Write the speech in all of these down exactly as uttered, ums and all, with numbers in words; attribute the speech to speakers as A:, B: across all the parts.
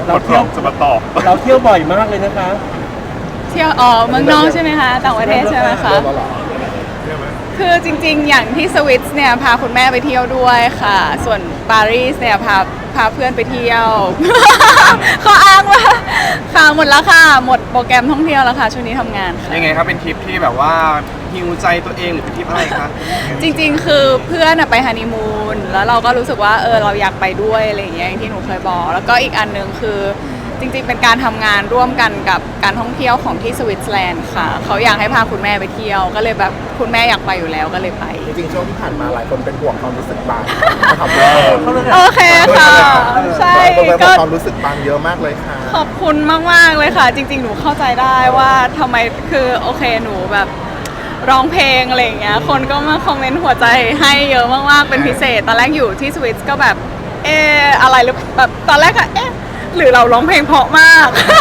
A: เราเที่ยวจะมาตอบเราเที่ยวบ่อยมากเลยนะคะ
B: เที่ยวอ๋อเมืองนอกใช่ไหมคะต่างประเทศใช่ไหมคะคือจริงๆอย่างที่สวิตเนี่ยพาคุณแม่ไปเที่ยวด้วยค่ะส่วนปารีสเนี่ยพาพาเพื่อนไปเที่ยว เขาอ้างว่าค่ะหมดแล้วค่ะหมดโปรแกรมท่องเที่ยวแล้วค่ะช่วงนี้ทำงานค่ะ
C: ยังไงครับเป็นทริปที่แบบว่าฮิวใจตัวเองหรือเป็นทริปอะไรคะ
B: จริงๆคือเพื่อนไปฮันนีมูนแล้วเราก็รู้สึกว่าเออเราอยากไปด้วยอะไรอย่างเงี้ยอย่างที่หนูเคยบอกแล้วก็อีกอันนึงคือจริงๆเป็นการทำงานร่วมกันกับการท่องเที่ยวของที่สวิตเซอร์แลนด์ค่ะเขาอยากให้พาคุณแม่ไปเที่ยวก็เลยแบบคุณแม่อยากไปอยู่แล้วก็เลยไป
D: จริงๆช่วงที่ผ่านมาหลายคนเป็นห่วงความรู้สึกบางนะครับ
B: โอเคค่ะใช่
D: ก็ความรู้สึกบางเยอะมากเลยค่ะ
B: ขอบคุณมากๆเลยค่ะจริงๆหนูเข้าใจได้ว่าทำไมคือโอเคหนูแบบร้องเพลงอะไรอย่างเงี้ยคนก็มาคอมเมนต์หัวใจให้เยอะมากๆเป็นพิเศษตอนแรกอยู่ที่สวิตก็แบบเอออะไรหรือแบบตอนแรกอะเอ๊ะหรือเราร้องเพลงเพราะมาก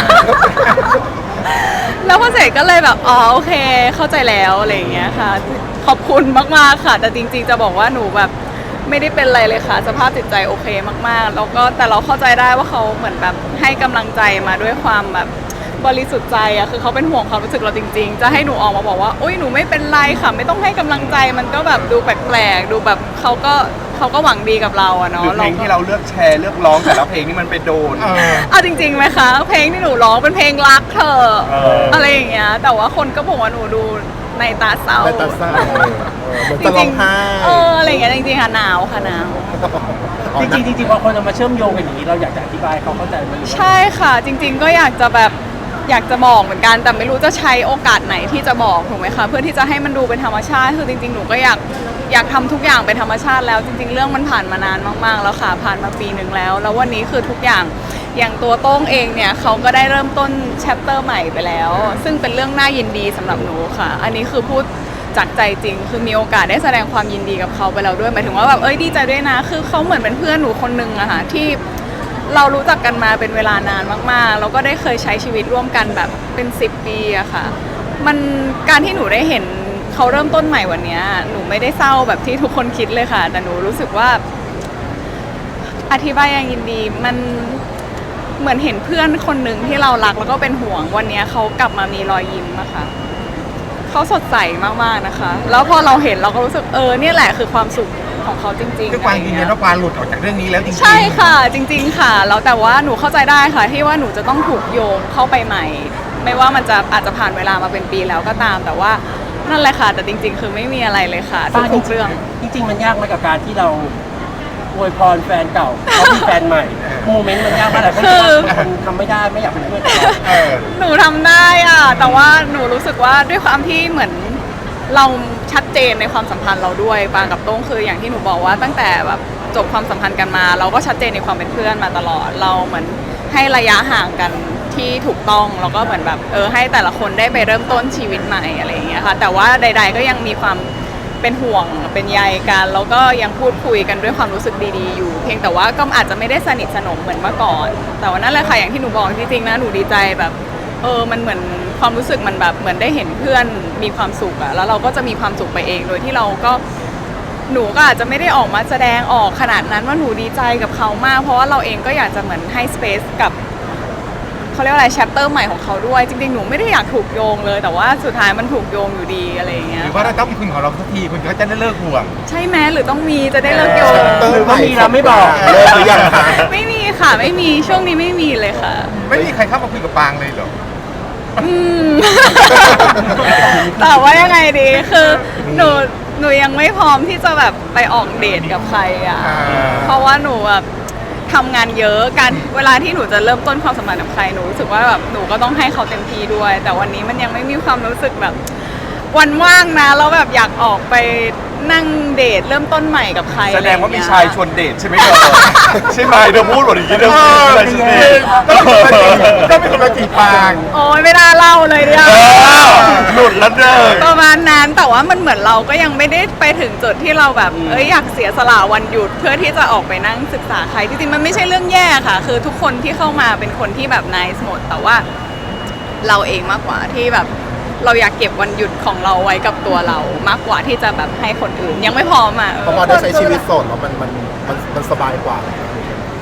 B: แล้วพอเสร็จก็เลยแบบอ๋อโอเคเข้าใจแล้วอะไรอย่างเงี้ยค่ะขอบคุณมากๆค่ะแต่จริงๆจะบอกว่าหนูแบบไม่ได้เป็นอะไรเลยค่ะสภาพจิตใจโอเคมากๆแล้วก็แต่เราเข้าใจได้ว่าเขาเหมือนแบบให้กำลังใจมาด้วยความแบบบริสุทธิ์ใจอะคือเขาเป็นห่วงความรู้สึกเราจริงๆจะให้หนูออกมาบอกว่าอุ้ยหนูไม่เป็นไรค่ะไม่ต้องให้กำลังใจมันก็แบบดูแปลกๆดูแบบเขาก็เขาก็หวังดีกับเราอะเนาะ
C: เพลงที่เราเลือกแชร์เลือกร้องแต่ละเพลงนี่มันไปโดน
B: เอาจริงๆไหมคะเพลงที่หนูร้องเป็นเพลงรักเธออะไรอย่างเงี้ยแต่ว่าคนก็บอกว่าหนูดูในตาเศร้า
D: ในตาเศร้าเหมือนจะร้องไห้
B: เอออะไรอย่างเงี้ยจริงๆค่ะหนาวค่ะหนาว
A: จริงๆจริงๆพอคนเอามาเชื่อมโยงกันอย่างนี้เราอยากจะอธิบายเขาเข้าใจมัน
B: ใช่ค่ะจริงๆก็อยากจะแบบอยากจะบอกเหมือนกันแต่ไม่รู้จะใช้โอกาสไหนที่จะบอกถูกไหมคะเพื่อที่จะให้มันดูเป็นธรรมชาติคือจริงๆหนูก็อยากอยากทำทุกอย่างเป็นธรรมชาติแล้วจริงๆเรื่องมันผ่านมานานมากๆแล้วค่ะผ่านมาปีหนึ่งแล้วแล้ววันนี้คือทุกอย่างอย่างตัวโต้งเองเนี่ยเขาก็ได้เริ่มต้นแชปเตอร์ใหม่ไปแล้วซึ่งเป็นเรื่องน่ายินดีสำหรับหนูค่ะอันนี้คือพูดจากใจจริงคือมีโอกาสได้แสดงความยินดีกับเขาไปแล้วด้วยหมายถึงว่าแบบเอ้ยดีใจด้วยนะคือเขาเหมือนเป็นเพื่อนหนูคนนึงอะค่ะที่เรารู้จักกันมาเป็นเวลานานมากๆแล้วก็ได้เคยใช้ชีวิตร่วมกันแบบเป็นสิบปีอะค่ะมันการที่หนูได้เห็นเขาเริ่มต้นใหม่วันนี้หนูไม่ได้เศร้าแบบที่ทุกคนคิดเลยค่ะแต่หนูรู้สึกว่าอธิบายอย่างยินดีมันเหมือนเห็นเพื่อนคนหนึ่งที่เรารักแล้วก็เป็นห่วงวันนี้เขากลับมามีรอยยิ้มอะค่ะเขาสดใสมากๆนะคะแล้วพอเราเห็นเราก็รู้สึกเออเนี่ยแหละคือความสุขของเขาจริงๆ
D: คือความยืนยันว่าความหลุดออกจากเรื่องนี้แล้วจริงๆ
B: ใช่ค่ะจริงๆค่ะแล้วแต่ว่าหนูเข้าใจได้ค่ะที่ว่าหนูจะต้องถูกโยงเข้าไปใหม่ไม่ว่ามันจะอาจจะผ่านเวลามาเป็นปีแล้วก็ตามแต่ว่านั่นแหละค่ะแต่จริงๆคือไม่มีอะไรเลยค่ะทุกเรื่อง
A: จริงๆมันยากไหมกับการที่เราอวยพรแฟนเก่าเขามีแฟนใหม่โมเมนต์มันยากมากเลยเพราะคนทำไม่ได้ไม่อยากเป็นเพื่อนกัน
B: หนูทำได้อ่ะแต่ว่าหนูรู้สึกว่าด้วยความที่เหมือนเราชัดเจนในความสัมพันธ์เราด้วยปางกับโต้งคืออย่างที่หนูบอกว่าตั้งแต่แบบจบความสัมพันธ์กันมาเราก็ชัดเจนในความเป็นเพื่อนมาตลอดเราเหมือนให้ระยะห่างกันที่ถูกต้องแล้วก็เหมือนแบบเออให้แต่ละคนได้ไปเริ่มต้นชีวิตใหม่อะไรอย่างเงี้ยค่ะแต่ว่าใดๆก็ยังมีความเป็นห่วงเป็นใยกันแล้วก็ยังพูดคุยกันด้วยความรู้สึกดีๆอยู่เพียงแต่ว่าก็อาจจะไม่ได้สนิทสนมเหมือนเมื่อก่อนแต่ว่านั่นแหละค่ะอย่างที่หนูบอกจริงๆนะหนูดีใจแบบเออมันเหมือนความรู้สึกมันแบบเหมือนได้เห็นเพื่อนมีความสุขอะแล้วเราก็จะมีความสุขไปเองโดยที่เราก็หนูก็อาจจะไม่ได้ออกมาแสดงออกขนาดนั้นว่าหนูดีใจกับเขามากเพราะว่าเราเองก็อยากจะเหมือนให้สเปซกับเขาเรียกว่าอะไรแชปเตอร์ใหม่ของเขาด้วยจริงๆหนูไม่ได้อยากถูกโยงเลยแต่ว่าสุดท้ายมันถูกโยงอยู่ดีอะไรอย่างเงี้ย
D: หรือว่าเราต้องมีคุณของเราสักทีคุณก็จะได้เลิกห่วง
B: ใช่ไหมหรือต้องมีจะได้เลิกโยง
A: หรือว่ามีเราไม่บอก
D: เลิกหรือยังคะ
B: ไม่มีค่ะไม่มีช่วงนี้ไม่มีเลยค่ะ
D: ไม่มีใครเข้ามาคุยกับปางเลยเหรอ
B: อืมแต่ว่ายังไงดีคือหนูหนูยังไม่พร้อมที่จะแบบไปออกเดทกับใครอ่ะเพราะว่าหนูแบบทำงานเยอะการเวลาที่หนูจะเริ่มต้นความสัมพันธ์กับใครหนูรู้สึกว่าแบบหนูก็ต้องให้เขาเต็มที่ด้วยแต่วันนี้มันยังไม่มีความรู้สึกแบบวันว่างนะแล้วแบบอยากออกไปนั่งเดทเริ่มต้นใหม่กับใคร
C: แสดงว่ามีชายชวนเดทใช่ไหมเธอใช่ไหมเธอพูดหมดอย่างนี้เธอพูดอะไรใช่ไหม
D: ต้องเป็นคนมาจีบปาง
B: โอ้ยไม่น่าเล่าเลยเนี่ย
C: หลุดแล้วเด้อ
B: ประมาณนั้นแต่ว่ามันเหมือนเราก็ยังไม่ได้ไปถึงจุดที่เราแบบเอ้ยอยากเสียสละวันหยุดเพื่อที่จะออกไปนั่งศึกษาใครจริงๆมันไม่ใช่เรื่องแย่ค่ะคือทุกคนที่เข้ามาเป็นคนที่แบบไนซ์หมดแต่ว่าเราเองมากกว่าที่แบบเราอยากเก็บวันหยุดของเราไว้กับตัวเรามากกว่าที่จะแบบให้คนอื่นยังไม่พร้อมอ่ะ
D: พอมาได้ใช้ชีวิตโสดแล้วมันมันมันมันสบายกว่า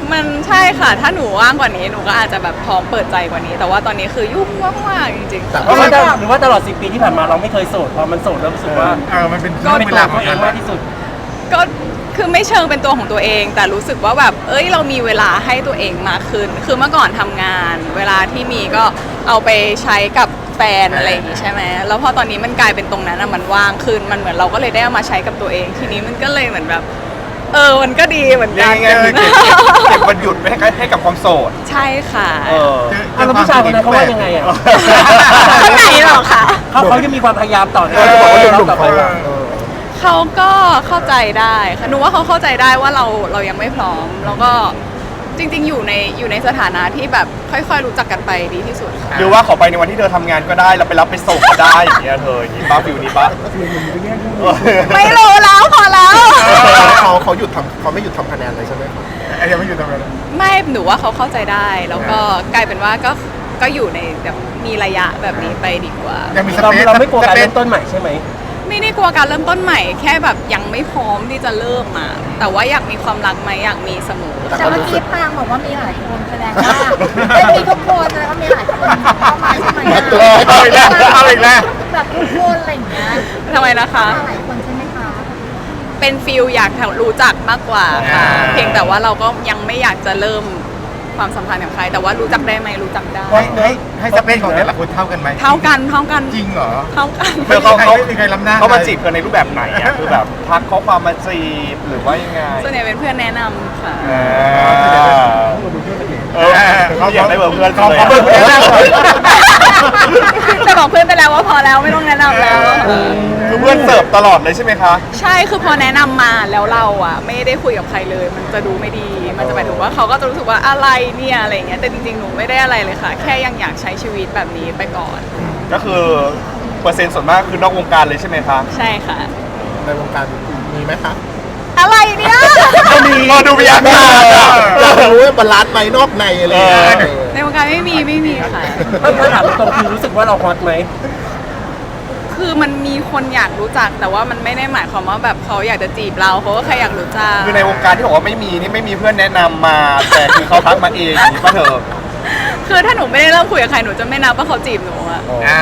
B: มันใช่ค่ะ ถ้าหนูว่างกว่านี้หนูก็อาจจะแบบพร้อมเปิดใจกว่านี้ แต่ว่าตอนนี้คือยุ่งมากๆจริงๆ
D: แต่
B: ค่ะ
A: หรือว่าหรือว่าตลอดสิบปีที่ผ่านมาเราไม่เคยโสดพอมันโสดแล้วรู้สึกว่า
E: เออมันเป็น
A: ก็เป็น
E: เว
A: ตัว
E: ลา
A: ของตัวเองมากที่สุด
B: ก็คือไม่เชิงเป็นตัวของตัวเอง แต่รู้สึกว่าแบบเอ้ยเรามีเวลาให้ตัวเองมากขึ้น คือเมื่อก่อนทำงาน เวลาที่มีก็เอาไปใช้กับแฟนอะไรอย่างงี้ใช่ไหมแล้วพอตอนนี้มันกลายเป็นตรงนั้นอะมันว่างขึ้นมันเหมือนเราก็เลยได้เอามาใช้กับตัวเอง ทีนี้มันก็เลยเหมือนแบบ เออมันก็ดีเหมือน
C: เรีย
B: กั
C: ก
B: น
C: ง่ายๆคือเก็บเก็บวันหยุดไว้ให้ให้กับความโสด
B: ใช่ค่ะ
C: เออ
A: อ่ะแล้วผู้ชายคนนั้นเขาว่ายังไงอ่ะ
B: คนไหนหรอคะ
A: เขาเขาจะมีความพยายามต่อ
D: เออบอกว่าหนุ่ม
A: ต่อ
D: ๆ
A: ไป
D: เขา
A: ว่า
D: อะเออ
B: เขาก็เข้าใจได้ค่ะหนูว่าเขาเข้าใจได้ว่าเราเรายังไม่พร้อม แล้วก็จริงๆอยู่ในอยู่ในสถานะที่แบบค่อยๆรู้จักกันไปดีที่สุดค่ะ
C: หรือว่าขอไปในวันที่เธอทำงานก็ได้เราไปรับไปส่งก็ได้อย่างเงี้ยเธออย่างงี้ป้าฟิวนี้ป้า
B: ไม่รู้แล้วพอแล้ว
D: เขาเขาหยุดทำเขาไม่หยุดทำคะแนนเลยใช่ไหมครับ
E: ไอ้ยังไม่อยู่ตรงนั้น
B: ไม่หนูว่าเขาเข้าใจได้ แล้วก็กลายเป็นว่าก็ก็อยู่ในแบบมีระยะแบบนี้ไปดีกว่า
E: ยังมีส
A: เรา
E: เปซ
A: เราไม่กลัวการ
E: สปซ
A: เริ่มต้นใหม่ใช่ไหม
B: ไม่ได้กลัวการเริ่มต้นใหม่แค่แบบยังไม่พร้อมที่จะเริ่มมาแต่ว่าอยากมีความรักไหมอยากมีเสมอ
D: แต่
F: แต่
D: ก็
F: เมื่อ
D: รู้สึ
F: กี้
D: ก
F: พางบอกว่ามีหลายคนแสดงว่าไม่มีทุกคนแสดงว่ามีหลายคนเข้ามาใช่ไหมอะ
E: เอาอีกแล้วเอาอีกแล้ว
F: แบบทุกคนอะไรอย่างเงี้ย
B: ทำไมนะคะ
F: มาหลายคนใช่ไหมคะ
B: เป็นฟิลอยากรู้จักมากกว่าค่ะ
E: อ่า
B: เพียงแต่ว่าเราก็ยังไม่อยากจะเริ่มความสัมพันธ์กับใคร แต่ว่ารู้จักได้ไหมรู้จักได้
E: ให้ให้ให้สเปซของแต่ละคนเท่ากันไหม
B: เท่ากันเท่ากัน
E: จริงเหรอ
B: เท่ากัน
C: เธอเขาเขา
E: ไม่มีใครล้ำหน้า
C: เขามาจีบเธอในรูปแบบไหนอ่ะคือแบบทักข้อความมาจีบหรือว่ายังไง
B: ส่วนใหญ่เป็นเพื่อนแนะนำค่ะ
C: อ่าเออเขาอยากได้เบอร์เพื่อน
E: เขา
C: เลย
E: เขาเบอร์เพื่อนได้
B: แต่บอกเพื่อนไปแล้วว่าพอแล้วไม่ต้องแนะนำแล้ว
C: คือเพื่อนเสิร์ฟตลอดเลยใช่ไหมคะ
B: ใช่คือพอแนะนำมาแล้วเราอ่ะ ไม่ได้คุยกับใครเลย มันจะดูไม่ดี มันจะหมายถึงว่าเขาก็จะรู้สึกว่าอะไรเนี่ยอะไรอย่างเงี้ยแต่จริงๆหนูไม่ได้อะไรเลยค่ะ แค่ยังอยากใช้ชีวิตแบบนี้ไปก่อน
C: ก็คือเปอร์เซ็นต์ส่วนมากคือนอกวงการเลยใช่ไหมคะ
B: ใช่ค่ะ
D: ในวงการมีไหมคะ
B: อะไรเนี่ย
C: ก็มีก็ดูมีอาการอะ
D: อยากรู้ว่าบาลานซ์ไหมนอกในอะไรอย่างเงี้ย
C: เออ
B: ในวงการไม่มีไม่มีค่ะ
A: ถ้าถ้าถามตรงๆคือรู้สึกว่าเราฮอตไหม
B: คือมันมีคนอยากรู้จัก แต่ว่ามันไม่ได้หมายความว่าแบบเขาอยากจะจีบเราเขาก็แค่อยากรู้จัก
C: คือในวงการที่บอกว่าไม่มีนี่ไม่มีเพื่อนแนะนำมา แต่คือเขาทักมาเองอย่างนี้ป่ะเธอ
B: คือถ้าหนูไม่ได้เริ่มคุยกับใครหนูจะไม่นับว่าเขาจีบหนูอะ
E: อ่า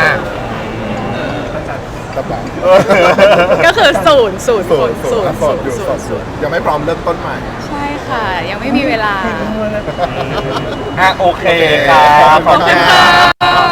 D: ครับผม
C: เออ
B: ก็คือศูนย์ศูนย์
D: โส
B: ศู
D: ด
B: นย์
D: โส
B: ศู
D: ด
B: นย์
D: โส
B: ศู
D: ด
B: นย์
D: อยู่โส
B: ศู
D: ด
B: นย์
D: ยังไม่พร้อมเริ่มต้นใหม่
B: ใช่ค่ะ ยังไม่มีเวลา
C: อ่ะโอเคครับ
D: ขอบคุณค่ะ